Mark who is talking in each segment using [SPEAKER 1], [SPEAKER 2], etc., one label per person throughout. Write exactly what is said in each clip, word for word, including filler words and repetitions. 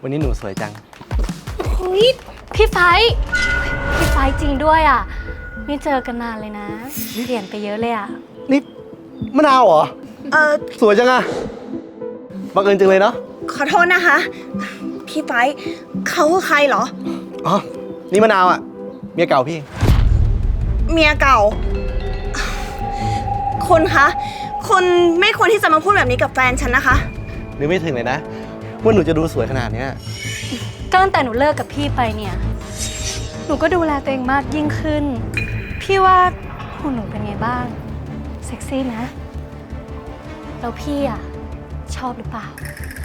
[SPEAKER 1] วันนี้หนูสวยจัง
[SPEAKER 2] เฮ้ยพี่ไฟพี่ไฟจริงด้วยอ่ะไม่เจอกันนานเลยนะเปลี่ยนไปเยอะเลยอ่ะ
[SPEAKER 1] นี่มะนาวเหรอเออสวยจังอะบังเอิญจังเลยเนาะ
[SPEAKER 3] ขอโทษนะคะพี่ไฟเขาคือใครเหรอ
[SPEAKER 1] อ๋อนี่มะนาวอะเมียเก่าพี่
[SPEAKER 3] เมียเก่าคุณคะคุณไม่ควรที่จะมาพูดแบบนี้กับแฟนฉันนะคะ
[SPEAKER 1] นึกไม่ถึงเลยนะว่าหนูจะดูสวยขนาดนี้
[SPEAKER 2] ก็ตั้งแต่หนูเลิกกับพี่ไปเนี่ยหนูก็ดูแลตัวเองมากยิ่งขึ้นพี่ว่าหุ่นหนูเป็นไงบ้างเซ็กซี่นะแล้วพี่อ่ะชอบหรือเปล่า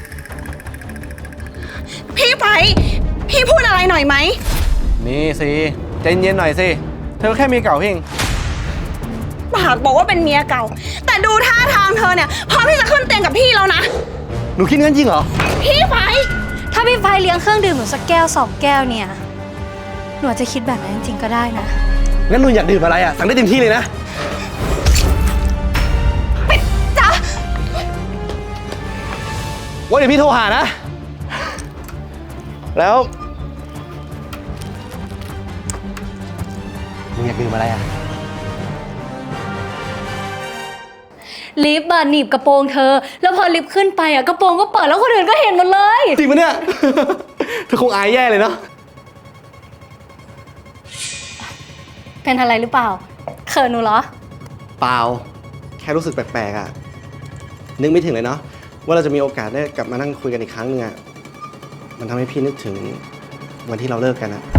[SPEAKER 3] พี่ไฟพี่พูดอะไรหน่อยไหม
[SPEAKER 1] นี่สิใจเย็นหน่อยสิเธอแค่เมียเก่าเอง
[SPEAKER 3] ปากบอกว่าเป็นเมียเก่าแต่ดูท่าทางเธอเนี่ยพร้อมที่จะขึ้นเตียงกับพี่แล้วนะ
[SPEAKER 1] หนูคิดงั้นจริงเหรอ
[SPEAKER 3] พี่ไฟ
[SPEAKER 2] ถ้าพี่ไฟเลี้ยงเครื่องดื่มหนูสักแก้วสองแก้วเนี่ยหนูอาจจะคิดแบบนั้นจริงๆก็ได้นะ
[SPEAKER 1] งั้นหนูอยากดื่มอะไรอ่ะสั่งได้เต็มที่เลยนะ
[SPEAKER 3] ปิดจ้ะ
[SPEAKER 1] ว่าเดี๋ยวพี่โทรหานะแล้วหนูอยากดื่มอะไรอ่ะ
[SPEAKER 2] ลิฟต์หนีบกระโปรงเธอแล้วพอลิฟต์ขึ้นไปอ่ะกระโปรงก็เปิดแล้วคนอื่นก็เห็นหมดเลย
[SPEAKER 1] จริงปะเนี่ยเธอคงอายแย่เลยเนาะ
[SPEAKER 2] เป็นอะไรหรือเปล่าเขินหนูเหรอ
[SPEAKER 1] เปล่าแค่รู้สึกแปลกๆอ่ะนึกไม่ถึงเลยเนาะว่าเราจะมีโอกาสได้กลับมานั่งคุยกันอีกครั้งนึงอ่ะมันทำให้พี่นึกถึงวันที่เราเลิกกันอ่ะ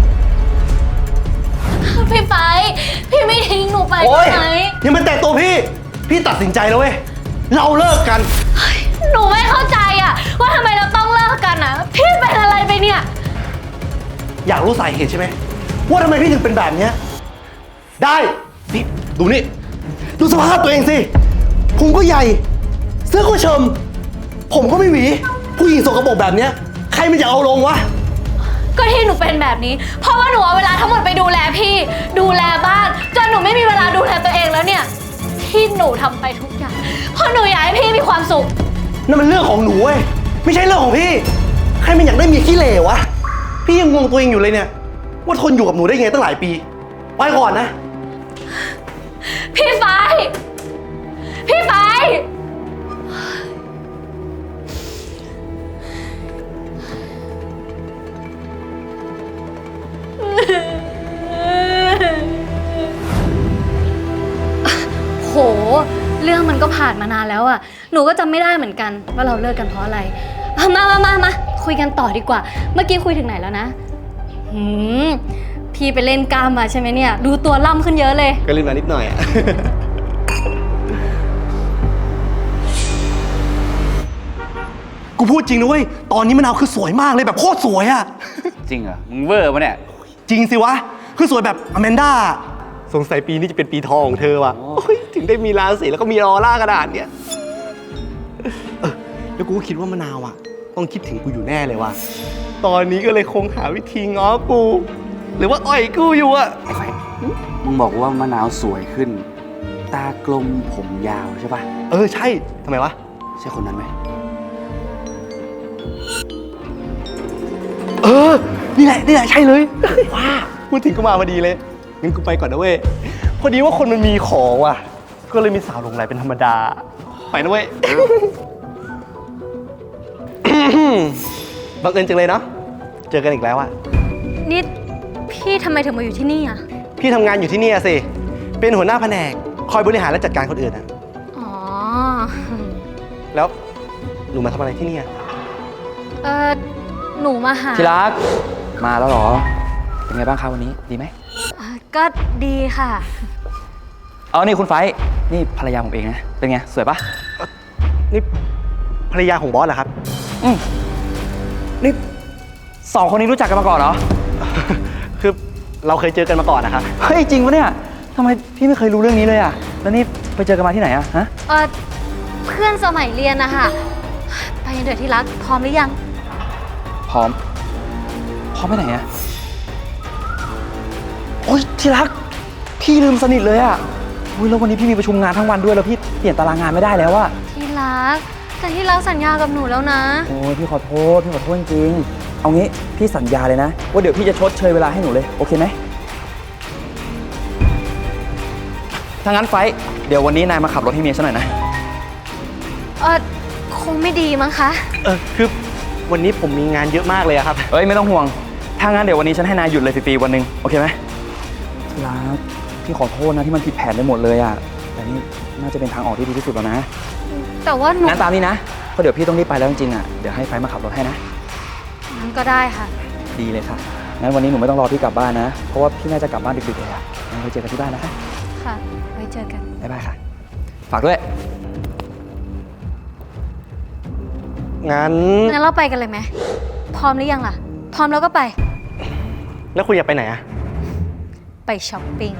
[SPEAKER 2] พี่ไปพี่ไม่ทิ้งหนูไปใช่ไหม
[SPEAKER 1] ยังมันแตะตัวพี่พี่ตัดสินใจแล้วเว้ยเราเลิกกัน
[SPEAKER 2] หนูไม่เข้าใจอ่ะว่าทำไมเราต้องเลิกกันอ่ะพี่เป็นอะไรไปเนี่ย
[SPEAKER 1] อยากรู้สาเหตุใช่ไหมว่าทำไมพี่ถึงเป็นแบบนี้ได้นี่ดูนี่ดูสภาพตัวเองสิพุงก็ใหญ่เสื้อก็เชิมผมก็ไม่หวีผู้หญิงสกปรกแบบนี้ใครมันจะเอาลงวะ
[SPEAKER 2] ก็ที่หนูเป็นแบบนี้เพราะว่าหนูเอาเวลาทั้งหมดไปดูแลพี่ดูแลบ้านจนหนูไม่มีเวลาดูแลตัวเองแล้วเนี่ยที่หนูทำไปทุกอย่างเพราะหนูอยากให้พี่มีความสุข
[SPEAKER 1] นั่นมันเรื่องของหนูเว้ยไม่ใช่เรื่องของพี่ใครมันอยากได้เมียขี้เหร่วะพี่ยังงงตัวเองอยู่เลยเนี่ยว่าทนอยู่กับหนูได้ไงตั้งหลายปีไปก่อนนะ
[SPEAKER 2] พี่ไฟพี่ไฟโหเรื่องมันก็ผ่านมานานแล้วอ่ะหนูก็จำไม่ได้เหมือนกันว่าเราเลิกกันเพราะอะไรมามามามาคุยกันต่อดีกว่าเมื่อกี้คุยถึงไหนแล้วนะหืมพี่ไปเล่นกล้ามมาใช่ไหมเนี่ยดูตัวล่ำขึ้นเยอะเลย
[SPEAKER 1] ก็เล่นมานิดหน่อยกูพูดจริงนะเว้ยตอนนี้มะนาวคือสวยมากเลยแบบโคตรสวยอะ
[SPEAKER 4] จริงเหรอมึงเวอร์ปะเนี่ย
[SPEAKER 1] จริงสิวะคือสวยแบบอแมนด้าสงสัยปีนี้จะเป็นปีทองของเธอว่ะถึงได้มีราศีแล้วก็มีออร่ากระดาษเนี่ยเออแล้วกูก็คิดว่ามะนาวอะต้องคิดถึงกูอยู่แน่เลยว่ะตอนนี้ก็เลยคงหาวิธีง้อกูหรือว่าอ่อยกูอยู่อะ
[SPEAKER 4] ไอ้ไฟมึงบอกว่ามะนาวสวยขึ้นตากลมผมยาวใช่ปะ
[SPEAKER 1] เออใช่ทำไมวะ
[SPEAKER 4] ใช่คนนั้นไหม
[SPEAKER 1] เออนี่แหละนี่แหละใช่เลยว้าพูดถึงก็มาพอดีเลยงั้นกูไปก่อนนะเว้ยพอดีว่าคนมันมีของว่ะก็เลยมีสาวหลงไหลเป็นธรรมดาไปนะเว้ยบังเอิญจังเลยเนาะเจอกันอีกแล้วอะ
[SPEAKER 2] นี่พี่ทำไมถึงมาอยู่ที่นี่อ่ะ
[SPEAKER 1] พี่ทำงานอยู่ที่นี่สิเป็นหัวหน้าแผนกคอยบริหารและจัดการคนอื่นอะ
[SPEAKER 2] อ๋อ
[SPEAKER 1] แล้วหนูมาทำอะไรที่นี่อะ
[SPEAKER 2] เออหนูมาหา
[SPEAKER 4] ที่รักมาแล้วเหรอเป็นไงบ้างคะวันนี้ดีไหม
[SPEAKER 2] ก็ดีค่ะ
[SPEAKER 4] เอานี่คุณไฟนี่ภรรยาผมเองนะเป็นไงสวยปะ
[SPEAKER 1] นี่ภรรยาของบอสเหรอครับ
[SPEAKER 4] อืมนี่สองคนนี้รู้จักกันมาก่อนเหรอ
[SPEAKER 1] คือเราเคยเจอกันมาก่อนนะครับ
[SPEAKER 4] เฮ้ยจริงปะเนี่ยทำไมพี่ไม่เคยรู้เรื่องนี้เลยอะแล้วนี่ไปเจอกันมาที่ไหนอะฮะ
[SPEAKER 2] เออเพื่อนสมัยเรียนนะคะไปเดี๋ยวที่รักพร้อมหรือยัง
[SPEAKER 4] พร้อมพร้อมไปไหนอะโอ๊ยที่รักพี่ลืมสนิทเลยอะอุ้ยแล้ววันนี้พี่มีประชุมงานทั้งวันด้วยแล้วพี่เปลี่ยนตารางงานไม่ได้แล้วอะ
[SPEAKER 2] ที่รักแต่ที่รักสัญญากับหนูแล้วนะ
[SPEAKER 4] โอ้ยพี่ขอโทษพี่ขอโทษจริงเอางี้พี่สัญญาเลยนะว่าเดี๋ยวพี่จะชดเชยเวลาให้หนูเลยโอเคไหมถ้างั้นไฟท์เดี๋ยววันนี้นายมาขับรถให้เมียฉันหน่อยนะ
[SPEAKER 2] เออคงไม่ดีมั้งคะ
[SPEAKER 1] เออคือวันนี้ผมมีงานเยอะมากเลยอะครับ
[SPEAKER 4] เอ้ยไม่ต้องห่วง ถ้างั้นเดี๋ยววันนี้ฉันให้นายหยุดเลยฟรีๆวันหนึ่งโอเคไหมที่รักพี่ขอโทษนะที่มันผิดแผนไปหมดเลยอะแต่นี่น่าจะเป็นทางออกที่ดีที่สุดแล้วนะ
[SPEAKER 2] แต่ว่าหนู
[SPEAKER 4] งั้นตามนี้นะเพราะเดี๋ยวพี่ต้องรีบไปแล้วจริงๆอะเดี๋ยวให้ไฟท์มาขับรถให้นะ
[SPEAKER 2] งั้นก็ได้ค่ะ
[SPEAKER 4] ดีเลยค่ะงั้นวันนี้หนูไม่ต้องรอพี่กลับบ้านนะเพราะว่าพี่น่าจะกลับบ้านดึกๆเลยอะงั้นไว้เจอกันที่บ้านนะคะ
[SPEAKER 2] ค่ะ ไว้เจอกัน
[SPEAKER 4] บ๊ายบายค่ะฝากด้วย
[SPEAKER 1] งั้น
[SPEAKER 2] งั้นเราไปกันเลยไหม พร้อมหรือยังล่ะ พร้อมแล้วก็ไป
[SPEAKER 1] แล้วคุณอยากไปไหนอะ
[SPEAKER 2] ไปช้อปปิ้ง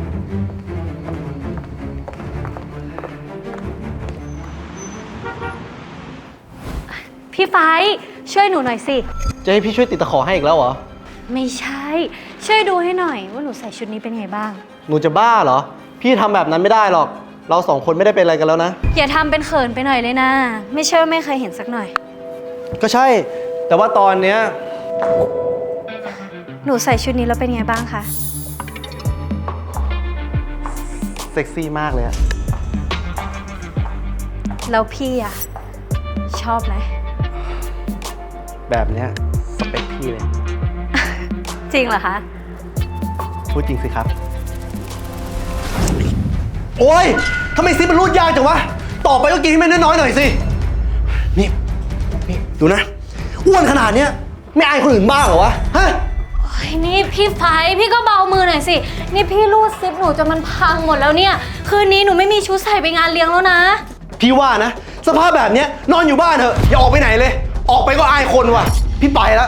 [SPEAKER 2] พี่ไฟท์ช่วยหนูหน่อยสิ
[SPEAKER 1] จะให้พี่ช่วยติดตะขอให้อีกแล้วเหรอ
[SPEAKER 2] ไม่ใช่ ช่วยดูให้หน่อยว่าหนูใส่ชุดนี้เป็นไงบ้าง
[SPEAKER 1] หนูจะบ้าเหรอ พี่ทำแบบนั้นไม่ได้หรอก เราสองคนไม่ได้เป็นอะไรกันแล้วนะ
[SPEAKER 2] อย่าทำเป็นเขินไปหน่อยเลยนะ ไม่เชื่อไม่เคยเห็นสักหน่อย
[SPEAKER 1] ก็ใช่ แต่ว่าตอนเนี้ย
[SPEAKER 2] หนูใส่ชุดนี้แล้วเป็นไงบ้างคะ
[SPEAKER 1] เซ็กซี่มากเลยอะ
[SPEAKER 2] แล้วพี่อะชอบไหม
[SPEAKER 1] แบบเนี้ยสเปคพี่เลย
[SPEAKER 2] จริงเหรอคะ
[SPEAKER 1] พูดจริงสิครับ โอ้ยทำไมซิปมันรูดยากจังวะ ต่อไปก็กินให้มันน้อยๆหน่อยสิ นี่ นี่ ดูนะ อ้วนขนาดเนี้ยไม่อายคนอื่นบ้างเหรอวะ ฮะ
[SPEAKER 2] โอ้ยนี่พี่ไฟท์พี่ก็เบามือหน่อยสิ นี่พี่รูดซิปหนูจนมันพังหมดแล้วเนี่ย คืนนี้หนูไม่มีชุดใส่ไปงานเลี้ยงแล้วนะ
[SPEAKER 1] พี่ว่านะ สภาพแบบเนี้ยนอนอยู่บ้านเถอะ อย่าออกไปไหนเลย ออกไปก็อายคนว่ะ พี่ไปแล้ว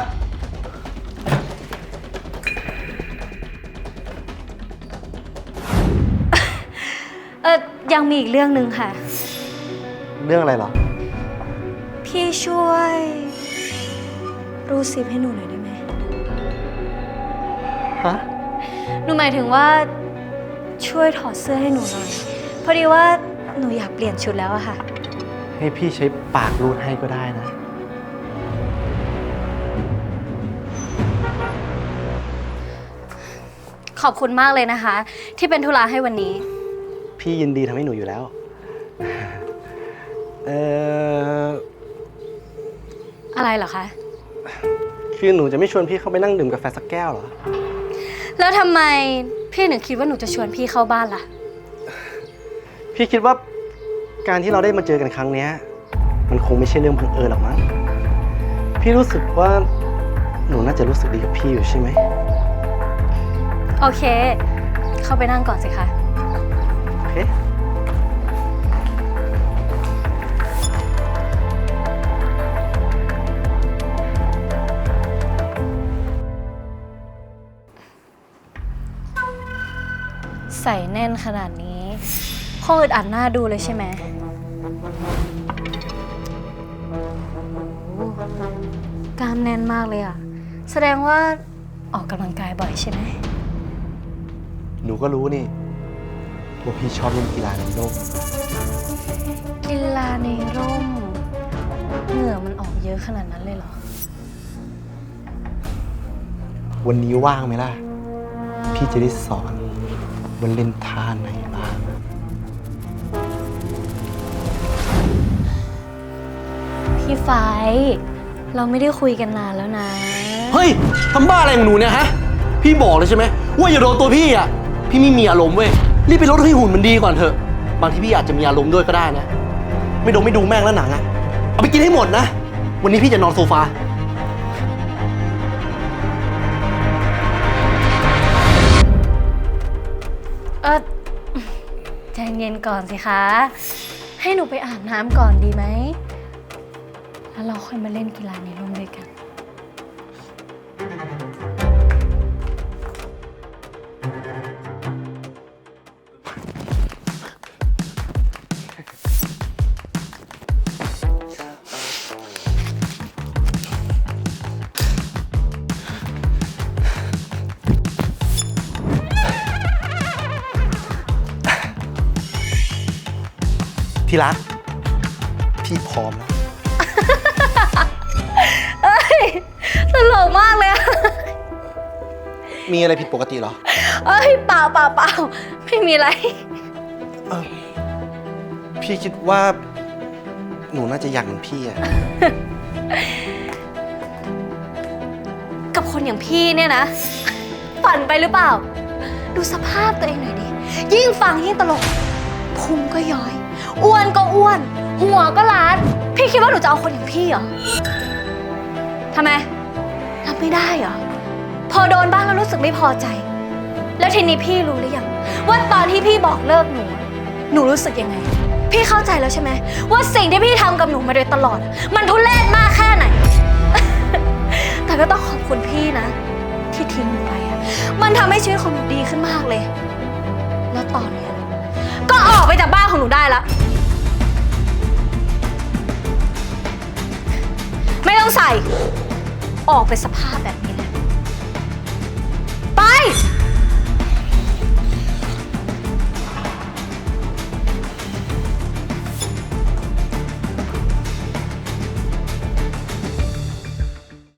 [SPEAKER 2] เออยังมีอีกเรื่องหนึ่งค่ะ
[SPEAKER 1] เรื่องอะไรเหรอ
[SPEAKER 2] พี่ช่วยรูดซิปให้หนูหน่อยได้ไหม
[SPEAKER 1] ฮะ
[SPEAKER 2] หนูหมายถึงว่าช่วยถอดเสื้อให้หนูหน่อย พอดีว่าหนูอยากเปลี่ยนชุดแล้วอะค่ะ
[SPEAKER 1] ให้พี่ใช้ปากรูดให้ก็ได้นะ
[SPEAKER 2] ขอบคุณมากเลยนะคะ ที่เป็นธุระให้วันนี้
[SPEAKER 1] พี่ยินดีทำให้หนูอยู่แล้ว เออ
[SPEAKER 2] อะไรเหรอคะ
[SPEAKER 1] คือหนูจะไม่ชวนพี่เข้าไปนั่งดื่มกาแฟสักแก้วเหรอ
[SPEAKER 2] แล้วทำไมพี่ถึงคิดว่าหนูจะชวนพี่เข้าบ้านล่ะ
[SPEAKER 1] พี่คิดว่าการที่เราได้มาเจอกันครั้งเนี้ยมันคงไม่ใช่เรื่องบังเอิญหรอกมั้ง พี่รู้สึกว่าหนูน่าจะรู้สึกดีกับพี่อยู่ใช่ไหม
[SPEAKER 2] โอเค เข้าไปนั่งก่อนสิคะ
[SPEAKER 1] โอเค
[SPEAKER 2] ใส่แน่นขนาดนี้คงอึดอัดหน้าดูเลยใช่ไหมโอ้โหกล้ามแน่นมากเลยอะแสดงว่าออกกำลังกายบ่อยใช่ไหม
[SPEAKER 1] หนูก็รู้นี่ว่าพี่ชอบเล่นกีฬาในร่ม
[SPEAKER 2] กีฬาในร่ม เหงื่อมันออกเยอะขนาดนั้นเลยเหรอ
[SPEAKER 1] วันนี้ว่างไหมล่ะ พี่จะได้สอนว่าเล่นท่าไหนบ้าง
[SPEAKER 2] พี่ไฟท์เราไม่ได้คุยกันนานแล้วนะ
[SPEAKER 1] เฮ้ยทำบ้าอะไรของหนูเนี่ยฮะ พี่บอกเลยใช่ไหมว่าอย่าโดนตัวพี่อ่ะ พี่ไม่มีอารมณ์เว้ย รีบไปลดให้หุ่นมันดีก่อนเถอะ บางทีพี่อาจจะมีอารมณ์ด้วยก็ได้นะ ไม่ดมไม่ดูแม่งแล้วหนังอ่ะ เอาไปกินให้หมดนะ วันนี้พี่จะนอนโซฟา
[SPEAKER 2] เออใจเย็นก่อนสิคะ ให้หนูไปอาบน้ำก่อนดีไหม แล้วเราค่อยมาเล่นกีฬาในร่มด้วยกัน
[SPEAKER 1] ที่รัก พี่พร้อมแล้ว
[SPEAKER 2] เอ้ย ตตลกมากเลยอะ
[SPEAKER 1] มีอะไรผิดปกติเหรอ
[SPEAKER 2] เอ้ยเปล่าเปล่าเปล่าไม่มีอะไร
[SPEAKER 1] เออพี่คิดว่า หนูน่าจะอยากเหมือนพี่อะ
[SPEAKER 2] กับคนอย่างพี่เนี่ยนะ ฝันไปหรือเปล่า ดูสภาพตัวเองหน่อยดิ ยิ่งฟังยิ่งตลก พุงก็ย้อย อ้วนก็อ้วน หัวก็ล้าน พี่คิดว่าหนูจะเอาคนอย่างพี่เหรอทำไมรับไม่ได้เหรอ พอโดนบ้างแล้วรู้สึกไม่พอใจ แล้วทีนี้พี่รู้หรือยังว่าตอนที่พี่บอกเลิกหนู หนูรู้สึกยังไง พี่เข้าใจแล้วใช่ไหมว่าสิ่งที่พี่ทำกับหนูมาโดยตลอด มันทุเรศมากแค่ไหน แต่ก็ต้องขอบคุณพี่นะ ที่ทิ้งหนูไปอะมันทำให้ชีวิตของหนูดีขึ้นมากเลย แล้วตอนเนี้ยก็ออกไปจากบ้านของหนูได้แล้ว ไม่ต้องใส่ ออกไปสภาพแบบนี้เลย